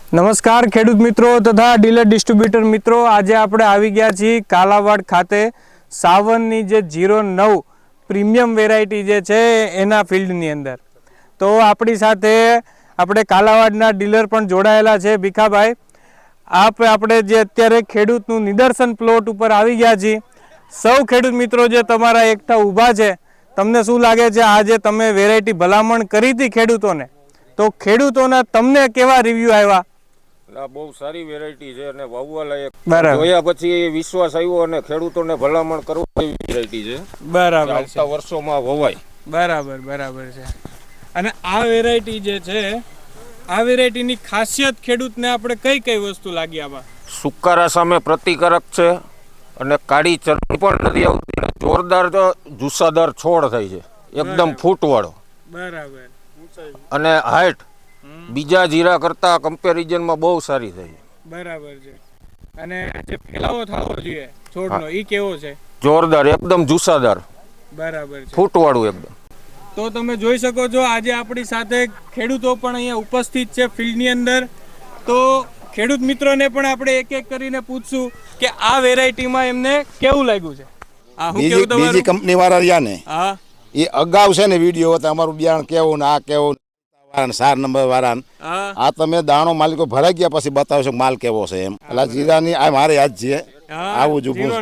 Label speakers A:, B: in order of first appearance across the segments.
A: નમસ્કાર ખેડૂત મિત્રો તથા ડીલર ડિસ્ટ્રીબ્યુટર મિત્રો, આજે આપણે આવી ગયા છીએ કાલાવાડ ખાતે સાવનની જે 09 પ્રીમિયમ વેરાયટી જે છે એના ફિલ્ડની અંદર. તો આપણી સાથે આપણે કાલાવાડના ડીલર પણ જોડાયેલા છે. ભીખાભાઈ, આપણે જે અત્યારે ખેડૂતનું નિદર્શન પ્લોટ ઉપર આવી ગયા છીએ. સૌ ખેડૂત મિત્રો જે તમારા એકઠા ઊભા છે, તમને શું લાગે છે આજે તમે વેરાયટી ભલામણ કરી હતી ખેડૂતોને, તો ખેડૂતોના તમને કેવા રિવ્યુ આવ્યા?
B: બહુ સારી વેરાયટી છે અને વાવવા લાયક. જોયા પછી વિશ્વાસ આવ્યો અને ખેડૂતોને ભલામણ કરવા જેવી વેરાયટી છે.
A: બરાબર,
B: આવતા વર્ષોમાં વવાય.
A: બરાબર બરાબર છે. અને આ વેરાયટી જે છે, આ વેરાયટીની ખાસિયત ખેડૂતને આપણે કઈ કઈ વસ્તુ લાગી આમાં?
B: સુકારા સામે પ્રતિકારક છે અને કાળી ચરબી પણ નથી આવતી. જોરદાર જુસ્સાદાર છોડ થાય છે, એકદમ ફૂટવાળો.
A: બરાબર.
B: અને હાઈટ બીજા જીરા કરતા કમ્પેરિઝનમાં બહુ સારી થઈ.
A: બરાબર છે. અને જે ફેલાવો થવો જોઈએ છોડનો, ઈ કેવો છે?
B: જોરદાર, એકદમ જુસ્સાદાર.
A: બરાબર છે,
B: ફૂટવાળું એકદમ.
A: તો તમે જોઈ શકો છો આજે આપણી સાથે ખેડૂતો પણ અહીંયા ઉપસ્થિત છે ફિલ્ડની અંદર. તો ખેડૂત મિત્રોને પણ આપણે એક એક કરીને પૂછશું કે આ વેરાયટીમાં એમને કેવું લાગ્યું છે. આ હું કેવું તમારું?
C: બીજી કંપની વાળા રહ્યા ને,
A: હા,
C: એ અગાઉ છે ને વિડીયો હતા અમારું બિયારણ કેવું ને આ કેવું, 4 નંબર વાળા. આ તમે દાણો માલિકો ભરાઈ ગયા પછી બતાવશો માલ કેવો છે એમ. એટલે જીરાની આ મારે યાદ છે, આવું જ ઊભું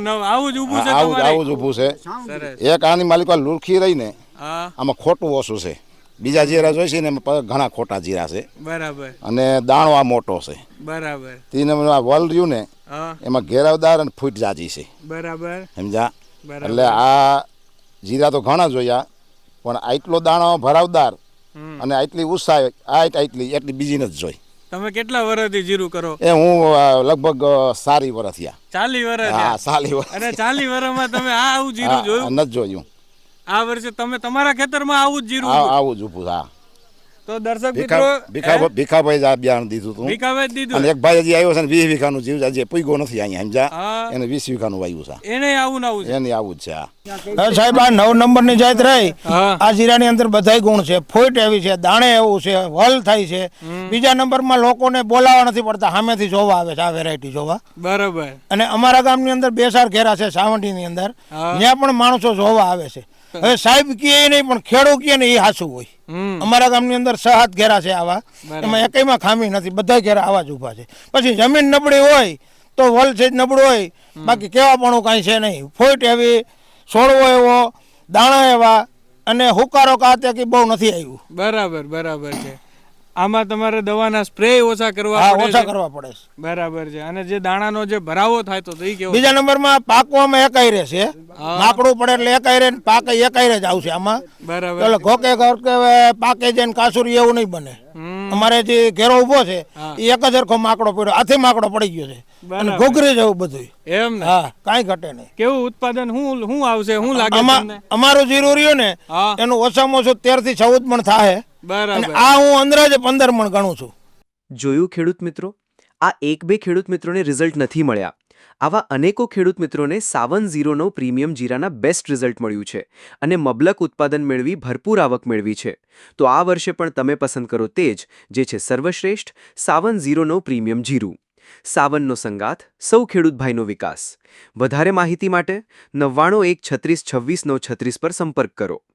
C: છે. એક આની માલિકો લુરખી રહી ને, આમાં ખોટું ઓછું છે. બીજા જીરા જોઈશે ને એમાં ઘણા ખોટા જીરા છે.
A: બરાબર.
C: અને દાણો આ મોટો છે.
A: બરાબર.
C: તીન વલ રહ્યું ને એમાં ઘેરાવદાર અને ફૂટ જાજી છે.
A: બરાબર,
C: સમજા? એટલે આ જીરા તો ઘણા જોયા, પણ આટલો દાણો ભરાવદાર અને આટલી ઉત્સાહ એટલી બીજી નથી જોઈ.
A: તમે કેટલા વર્ષથી જીરું કરો?
C: એ હું લગભગ 40 વર્ષ થયા.
A: 40 વર્ષ?
C: હા, 40 વર્ષ.
A: અને 40 વર્ષમાં તમે આવું જીરું જોયું
C: નથી જોયું?
A: આ વર્ષે તમે તમારા ખેતરમાં આવું જ જીરું?
C: આવું જ ઊભું. હા.
A: તો દર્શક મિત્રો,
C: ભીખાભાઈ આ બિયારણ દીધું હતું.
A: ભીખાભાઈ દીધું.
C: અને એક ભાઈ હજી આવ્યો છે ને 20 વીઘાનું જીવ હજી પૂગ્યો નથી અહીંયા, સમજા? એને 20 વીઘાનું વાવ્યું છે.
A: એને આવું છે?
C: એને આવું જ છે.
D: સાહેબ, આ 9 નંબરની જાત રહી. આ જીરાની અંદર બધાય ગુણ છે. ફોઈટ એવી છે, દાણે એવું છે, વલ થાય છે. બીજા નંબરમાં લોકોને બોલાવા નથી પડતા, સામેથી જોવા આવે છે આ વેરાયટી જોવા.
A: બરાબર.
D: અને અમારા ગામની અંદર 2 4 ઘેરા છે સાવંટીની અંદર, ત્યાં પણ માણસો જોવા આવે છે. હવે સાહેબ કહે નહીં, પણ ખેડૂત કહે ને એ સાચું હોય. અમારા ગામની અંદર 6 7 ઘેરા છે આવા, એમાં એકમાં ખામી નથી, બધા ઘેરા આવા જ ઉભા છે. પછી જમીન નબળી હોય તો વલ છે નબળું હોય, બાકી કેવા પણ કાંઈ છે નહીં. ફોઈટ એવી, છોડવો એવો, દાણા એવા, અને હુકારો કાતે કે બહુ નથી આવ્યું.
A: બરાબર બરાબર છે. આમાં તમારે દવાના સ્પ્રે ઓછા કરવા
D: પડે છે.
A: બરાબર છે. અને જે દાણાનો જે ભરાવો થાય તો એ કેવો?
D: બીજા નંબરમાં પાકવામાં એકાઈ રહેશે, માકડું પડે એટલે એકાઈ રહે, પાકે એકાઈ જ આવશે આમાં.
A: બરાબર.
D: એટલે ઘોકે ઘોકે પાકે જઈને કાસુરી એવું નહીં બને. અમારે જે ઘેરો ઉભો છે એ એક જ હરખો માકડો પડ્યો, હાથે માકડો પડી ગયો છે અને ઘોઘરી જવું બધું. એમ ને? હા, કાંઈ ઘટે નહીં.
A: કેવું ઉત્પાદન શું આવશે, શું લાગે તમને?
D: અમારું જીરું રહ્યું ને એનું ઓછામાં ઓછું 13 થી 14 મણ થાય.
A: બરાબર.
D: આ હું અંદાજે 15 મણ ગણું છું.
E: જોયું ખેડૂત મિત્રો, આ 1-2 ખેડૂત મિત્રોને રિઝલ્ટ નથી મળ્યા. આવા અનેકો ખેડૂત મિત્રોને સાવન 09 પ્રીમિયમ જીરાના બેસ્ટ રિઝલ્ટ મળ્યું છે અને મબલક ઉત્પાદન મેળવી ભરપૂર આવક મેળવી છે. તો આ વર્ષે પણ તમે પસંદ કરો તે જ, જે છે સર્વશ્રેષ્ઠ સાવન 09 પ્રીમિયમ જીરું. સાવનનો સંગાથ, સૌ ખેડૂત ભાઈનો વિકાસ. વધારે માહિતી માટે 99 1 36 26 936 પર સંપર્ક કરો.